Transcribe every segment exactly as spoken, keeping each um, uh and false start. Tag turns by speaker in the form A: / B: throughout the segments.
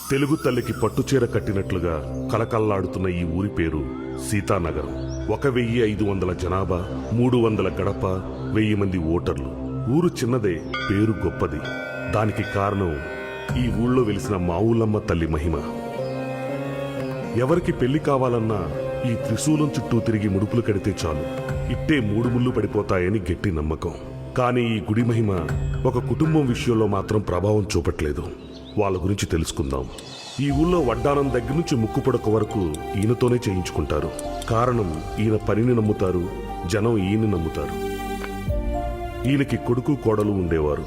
A: తెలుగు తల్లికి పట్టుచీర కట్టినట్లుగా కలకల్లాడుతున్న ఈ ఊరి పేరు సీతానగరం. ఒక వెయ్యి ఐదు వందల జనాభా, మూడు వందల గడప, వెయ్యి మంది ఓటర్లు. ఊరు చిన్నదే, పేరు గొప్పది. దానికి కారణం ఈ ఊళ్ళో వెలిసిన మావులమ్మ తల్లి మహిమ. ఎవరికి పెళ్లి కావాలన్నా ఈ త్రిశూలం చుట్టూ తిరిగి ముడుపులు కడితే చాలు, ఇట్టే మూడు ముళ్ళు పడిపోతాయని గట్టి నమ్మకం. కానీ ఈ గుడి మహిమ ఒక కుటుంబం విషయంలో మాత్రం ప్రభావం చూపట్లేదు. వాళ్ళ గురించి తెలుసుకుందాం. ఈ ఊళ్ళో వడ్డానం దగ్గర నుంచి ముక్కు పొడక వరకు ఈయనతోనే చేయించుకుంటారు. కారణం, ఈయన పనిని నమ్ముతారు, జనం ఈయన్ని నమ్ముతారు. ఈయనకి కొడుకు కోడలు ఉండేవారు.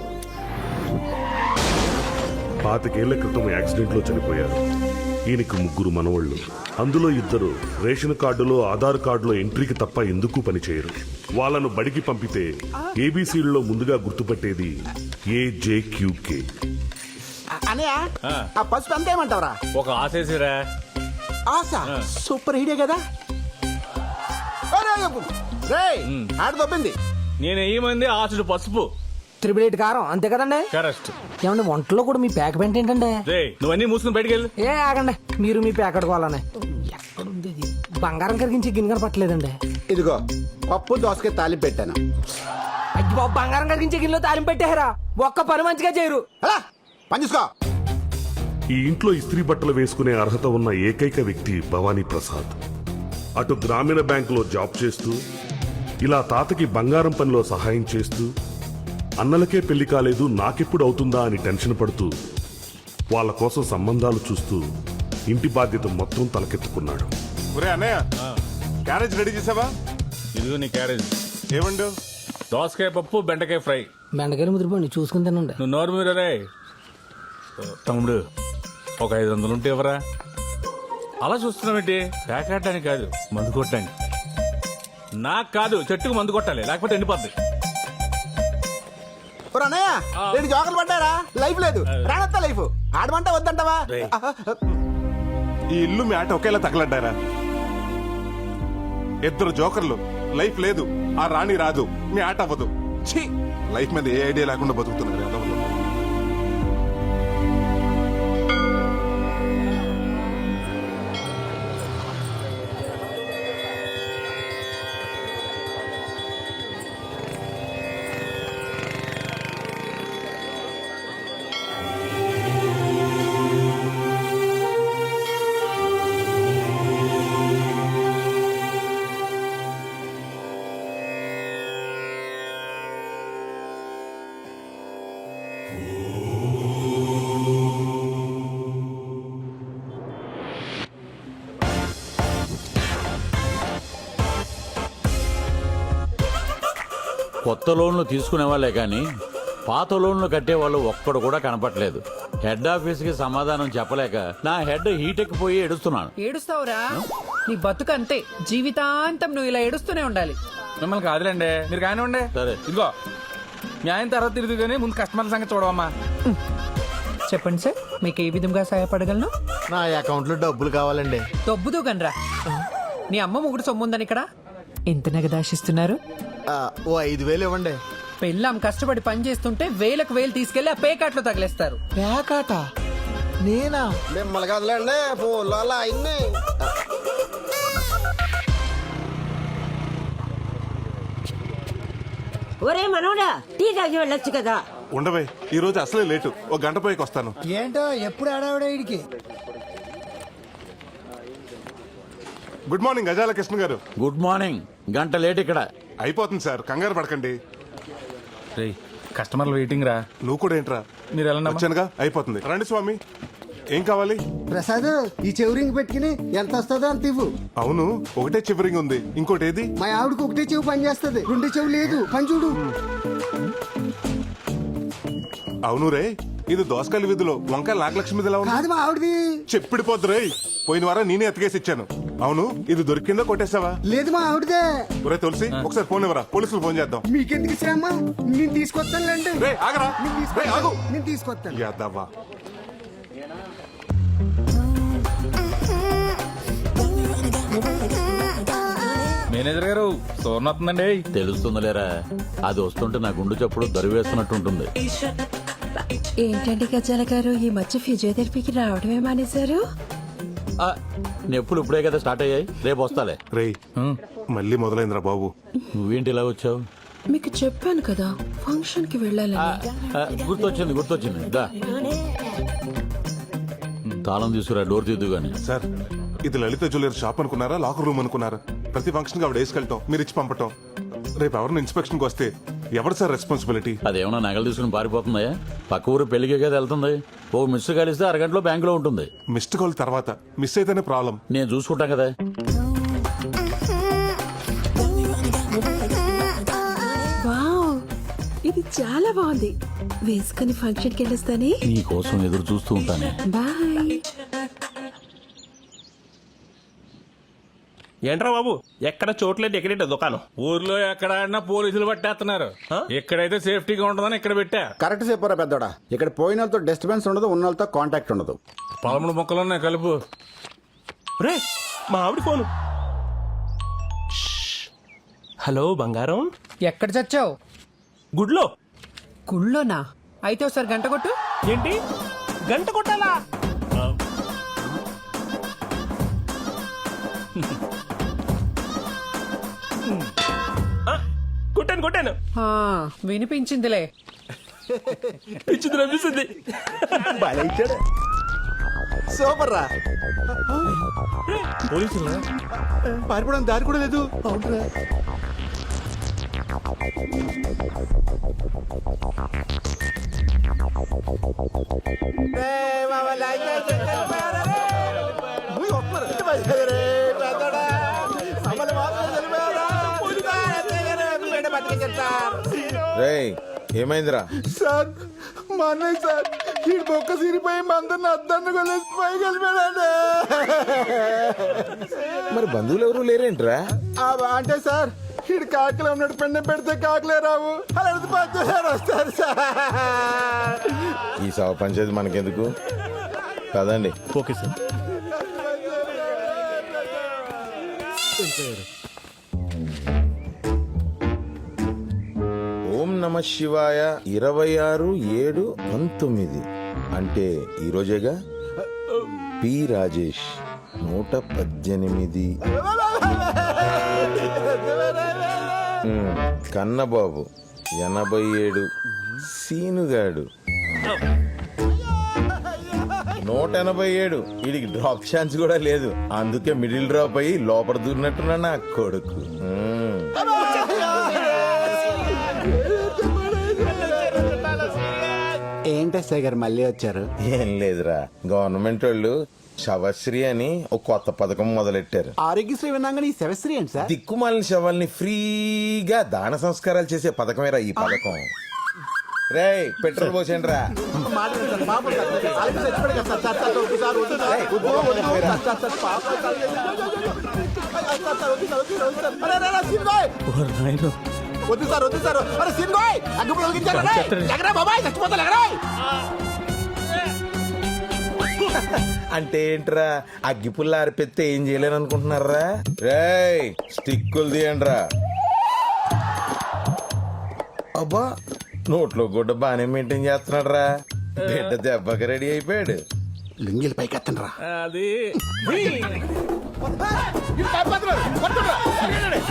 A: పాతికేళ్ల క్రితం యాక్సిడెంట్లో చనిపోయారు. ఈయనకి ముగ్గురు మనవళ్లు. అందులో ఇద్దరు రేషన్ కార్డులో, ఆధార్ కార్డులో ఎంట్రీకి తప్ప ఎందుకు పనిచేయరు. వాళ్ళను బడికి పంపితే ఏబీసీల్లో ముందుగా గుర్తుపట్టేది ఏజేక్యూకే.
B: అనయా ఆ పసుపు ఎంత ఏమంటావరా?
C: ఒక ఆశేసిరా.
B: ఆశ సూపర్ హీడే కదా. ఆడ దొబ్బింది.
C: నేను ఏమంది ఆశుడు పసుపు
D: త్రిబుల్ ఎయిట్ కారం అంతే కదండి.
C: కరెక్ట్.
D: ఏమండి వంటలో కూడా మీ ప్యాక్ పెంట ఏంటండి?
C: నువ్వన్నీ మూసుకుని బయటికి వెళ్ళు.
D: ఏ ఆగండి, మీరు మీ ప్యాకెట్ కోవాలని. ఎక్కడుంది ఇది? బంగారం కరిగించి గిన్నె పట్టలేదండి.
B: ఇదిగో పప్పు దోసకాయ తాలింపు పెట్టాను.
D: అయ్యి బాబు, బంగారం కరిగించే గిన్నెలో తాలింపు పెట్టారా? ఒక్క పని మంచిగా చేయరు.
B: అలా పని చూసుకో.
A: ఈ ఇంట్లో ఇస్త్రీ బట్టలు వేసుకునే అర్హత ఉన్న ఏకైక వ్యక్తి భవానీ ప్రసాద్. అటు గ్రామీణ బ్యాంకులో జాబ్ చేస్తూ, ఇలా తాతకి బంగారం పనిలో సహాయం చేస్తూ, అన్నలకే పెళ్లి కాలేదు నాకెప్పుడు అవుతుందా అని టెన్షన్ పడుతూ, వాళ్ళ కోసం సంబంధాలు చూస్తూ ఇంటి బాధ్యత మొత్తం తలకెత్తుకున్నాడు.
E: ఒరే అన్నయ్య, క్యారేజ్ రెడీ చేసావా?
C: ఇదిగో నీ క్యారేజ్.
E: ఏమండు?
C: దోసకాయ పప్పు, బెండకాయ ఫ్రై.
D: బెండకాయలు ముదిరిపోండి, చూసుకుని తినండి.
C: నువ్వు నోరు మీరే. తమ్ముడు, ఒక ఐదు వందలు ఉంటే ఎవరా? అలా చూస్తున్నావేంటి? ప్యాకెట్టానికి కాదు, మందు కొట్టడానికి. నాకు కాదు, చెట్టుకు మందు కొట్టాలి, లేకపోతే ఎండిపోద్ది.
B: అన్నయ్య రెండు జోకర్లు పడ్డారా? లైఫ్ లేదు, రానత్తా లైఫ్. ఆడమంటే వద్దంటావా?
E: ఈ ఇల్లు మీ ఆట ఒకేలా తగలడ్డారా? ఇద్దరు జోకర్లు, లైఫ్ లేదు, ఆ రాణి రాదు, మీ ఆట అవ్వదు. ఛీ, లైఫ్ మీద ఏ ఐడియా లేకుండా బతుకుతున్నారు.
F: కొత్త లోన్లు తీసుకునే వాళ్ళే కానీ పాత లోన్లు కట్టేవాళ్ళు ఒక్కడు కూడా కనపట్లేదు. హెడ్ ఆఫీస్ కి సమాధానం చెప్పలేక నా హెడ్ హీట్ ఎక్కిపోయి ఏడుస్తున్నాను.
G: ఏడుస్తావురా? నీ బతుకు అంతే, జీవితాంతం నువ్వు ఇలా ఏడుస్తూనే ఉండాలి.
C: మిమ్మల్ని కాదులేండి, మీరు కానివ్వండి.
F: సరే,
C: ఇదిగో మీ ఆయన తర్వాత తిరిగి కానీ ముందు కస్టమర్ల సంగతి చూడవమ్మా.
G: చెప్పండి సార్, మీకు ఏ విధంగా సహాయపడగలను?
H: నా అకౌంట్ లో డబ్బులు కావాలండి.
G: దొబ్బుదు గనరా. నీ అమ్మ ముగ్గురు సొమ్ముందని ఇక్కడ ఎంత నగదాశిస్తున్నారు?
H: ఓ ఐదు వేలు ఇవ్వండి.
G: పెళ్ళాం కష్టపడి పని చేస్తుంటే వేలకు వేలు తీసుకెళ్లి ఆ పేకాట్లో తగిలేస్తారు.
H: పేకాట? నేనా?
B: మిమ్మల్ని కదలండి ఫోన్లో అలా అయింది.
I: ఒరే మనోడా, టీ తాగి వెళ్ళొచ్చు కదా.
E: ఉండవే, ఈ రోజు అసలే లేటు, ఒక గంట పైకి వస్తాను.
H: ఏంటో ఎప్పుడు ఆడావిడ ఇడికి.
E: గుడ్ మార్నింగ్ గజాల కృష్ణ గారు.
F: Good morning. గంట లేట్ ఇక్కడ.
E: అయిపోతుంది సార్, కంగారు పడకండి.
C: కస్టమర్లు వెయిటింగ్ రా.
E: నువ్వు కూడా ఏంట్రా?
C: మీరు ఎలా
E: వచ్చానుగా, అయిపోతుంది. రండి స్వామి, ఏం కావాలి?
H: ప్రసాద్, ఈ చెవురింగ్ పెట్టుకుని ఎంత వస్తుందో అంత ఇవ్వు.
E: అవును, ఒకటే చివరింగ్ ఉంది, ఇంకోటి ఏది?
H: మా ఆవిడకి ఒకటే చెవు పని చేస్తుంది, రెండు చెవు లేదు. పని చూడు.
E: అవును రే, ఇది దోసకాయల వీధిలో వంకాయ నాగలక్ష్మి
H: కాదు, మా ఆవిడది.
E: చెప్పిడిపోద్దు రే, పోయిన వారం నేనే ఎత్తుకేసి ఇచ్చాను. అవును, ఇది దొరికిందో కొట్టేసావా?
H: లేదు, మా ఆవిడదే.
E: ఒరే తులసి, ఒకసారి ఫోన్ ఇవ్వరా, పోలీసులు ఫోన్ చేద్దాం.
H: మీకెందుకు శ్రమ? నేను తీసుకొస్తానులేండి.
E: రే ఆగరా, రే ఆగు.
H: నేను తీసుకొస్తాను.
E: యాదవ్వా.
C: మేనేజర్ గారు, సోర్ణ వస్తుందండి.
F: తెలుస్తుందిలేరా, అది వస్తుంటే నా గుండు చప్పుడు దరివేస్తున్నట్టుంటుంది.
I: ఏంటండి గజాల గారు ఈ మధ్య ఫిజియోథెరపీకి రావడమే మానేశారు?
F: ఆ, నొప్పులు ఇప్పుడే కదా స్టార్ట్ అయ్యాయి, రేపు వస్తాలే.
E: రేయ్ మళ్ళీ మొదలైందిరా బాబు.
F: నువ్వేంటి ఇలా వచ్చావు?
I: మీకు చెప్పాను కదా ఫంక్షన్ కి వెళ్ళాలని.
F: ఆ, గుర్తొచ్చింది గుర్తొచ్చింది దా. తాళం తీసుకురా, డోర్ తీద్దు గాని.
E: సార్ ఇది లలిత జ్యువెలరీ షాప్ అనుకున్నారా లాకర్ రూమ్ అనుకున్నారా? ప్రతి ఫంక్షన్ కి ఆవిడ వేసుకెళ్తాం, మీరు ఇచ్చి పంపటం. రేపు ఎవరిని ఇన్స్పెక్షన్ కి వస్తే ఎవరు సార్ రెస్పాన్సిబిలిటీ?
F: అదేమన్నా నగలు తీసుకుని పారిపోతుందా? పక్క ఊరు పెళ్లికే కదా వెళ్తుంది. ఓ మిస్ కలిస్తే అరగంటలో బ్యాంకులో ఉంటుంది.
E: మిస్డ్ కాల్ తర్వాత మిస్ అయితేనే ప్రాబ్లం.
F: నేను చూసుకుంటా కదా.
I: వావ్, ఇది చాలా బాగుంది. వేసుకుని ఫంక్షన్ కి వెళ్ళొస్తానే.
F: నీ కోసం ఎదురు చూస్తూ ఉంటానే.
I: బాయ్.
J: ఏంట్రా బాబు ఎక్కడ చోట్లేదు ఎక్కడేట దుకాణం?
C: ఊర్లో ఎక్కడ ఆడినా పోలీసులు పట్టేస్తున్నారు. ఇక్కడైతే సేఫ్టీగా ఉంటుందని ఇక్కడ పెట్టా.
B: కరెక్ట్ చెప్పారా పెద్దోడా. ఇక్కడ పోయిన వాళ్ళతో డిస్టర్బెన్స్ ఉండదు, ఉన్న వాళ్ళతో కాంటాక్ట్ ఉండదు.
C: పదమూడు మొక్కలు ఉన్నాయి కలుపు.
J: రే మా ఆవిడ ఫోను. హలో బంగారం,
G: ఎక్కడ చచ్చావు?
J: గుడ్లో.
G: గుళ్ళోనా? అయితే ఒకసారి గంట కొట్టు.
J: ఏంటి గంట కొట్టాలా? ఆ, కొట్టాను కొట్టాను.
G: ఆ, వినిపించిందిలే.
J: పిచ్చింది రప్పిస్తుంది.
B: సూపర్ రా.
J: పోలీసులు
B: పారిపోవడానికి దారి కూడా లేదు. అవునరా.
K: రేయ్ ఏమైందిరా?
B: సార్ మా అన్నయ్య సార్ ఈ బొక్క సిరిపోయి మందరిని అద్దాన్ని కొలేసి పైకి వెళ్ళిపోయాడండి.
K: మరి బంధువులు ఎవరు లేరేంట్రా?
B: అంటే సార్ ఈడు కాకలే ఉన్నాడు, పెండ పెడితే కాకలే రావు, అలా పంచారు వస్తారు సార్.
K: ఈ సవ పంచాయతీ మనకెందుకు కదండి.
J: Okay sir.
K: ఓం నమ శివాయ ఇరవై ఆరు ఏడు పంతొమ్మిది అంటే ఈరోజేగా. పి రాజేష్ నూట పద్దెనిమిది. ఉమ్, కన్నబాబు ఎనభై ఏడు. సీనుగాడు నూట ఎనభై ఏడు. వీడికి డ్రాప్ ఛాన్స్ కూడా లేదు, అందుకే మిడిల్ డ్రాప్ అయ్యి లోపల దూరినట్టున్నా నా కొడుకు. ఉమ్.
B: ఏంటి సార్ గారు మళ్ళీ వచ్చారు?
K: ఏం లేదురా, గవర్నమెంట్ వాళ్ళు శవశ్రీ అని ఒక కొత్త పథకం మొదలెట్టారు.
B: ఆరోగ్యశ్రీ విన్నాగానే ఈ శవశ్రీ ఏంటి సార్?
K: దిక్కుమాలిన శవాల్ని ఫ్రీగా దాన సంస్కారాలు చేసే పథకమేరా ఈ పథకం. రేయ్ పెట్రోల్ పోసేయండి రా.
B: వద్దు సార్ వద్దు సార్. అరే సీన్గోయ్ అగ్గిపుల్ల వెలిగించారు. ఎగరా బాబాయ్, చచ్చిపోతా ఎగరా.
K: అంటే ఏంట్రా, అగ్గిపుల్ల ఆరిపెత్తే ఏం చేయలేను అనుకుంటున్నారా? రేయ్ స్టిక్కులు తీయండి రా. అబ్బా నోట్లో గుడ్డ బానే మెయింటైన్ చేస్తున్నాడు రా. బిడ్డ దెబ్బకి రెడీ అయిపోయాడు.
B: లింగిల్ పైకి ఎత్తండి రా.
C: అది